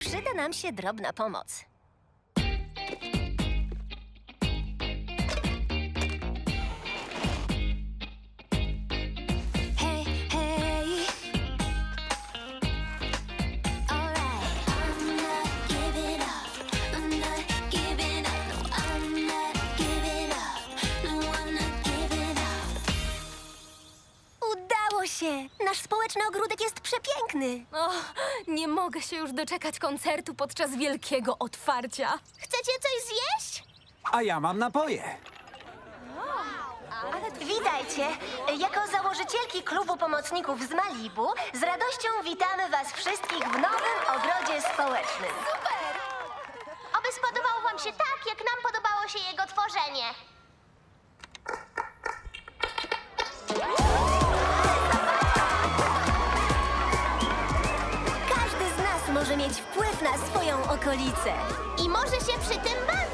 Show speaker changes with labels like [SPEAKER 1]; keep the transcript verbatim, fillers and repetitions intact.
[SPEAKER 1] Przyda nam się drobna pomoc.
[SPEAKER 2] Hey, hey. All right. I'm not giving up. I'm not giving up. No, I'm not giving up. No, I'm not giving up.
[SPEAKER 1] Udało się! Nasz społeczny ogródek jest przepiękny.
[SPEAKER 3] O, nie mogę się już doczekać koncertu podczas wielkiego otwarcia.
[SPEAKER 1] Chcecie coś zjeść?
[SPEAKER 4] A ja mam napoje.
[SPEAKER 1] Witajcie! Jako założycielki klubu pomocników z Malibu z radością witamy was wszystkich w nowym ogrodzie społecznym.
[SPEAKER 5] Oby spodobał wam się tak, jak nam podobało się jego tworzenie.
[SPEAKER 1] Każdy z nas może mieć wpływ na swoją okolicę.
[SPEAKER 5] I może się przy tym bawić.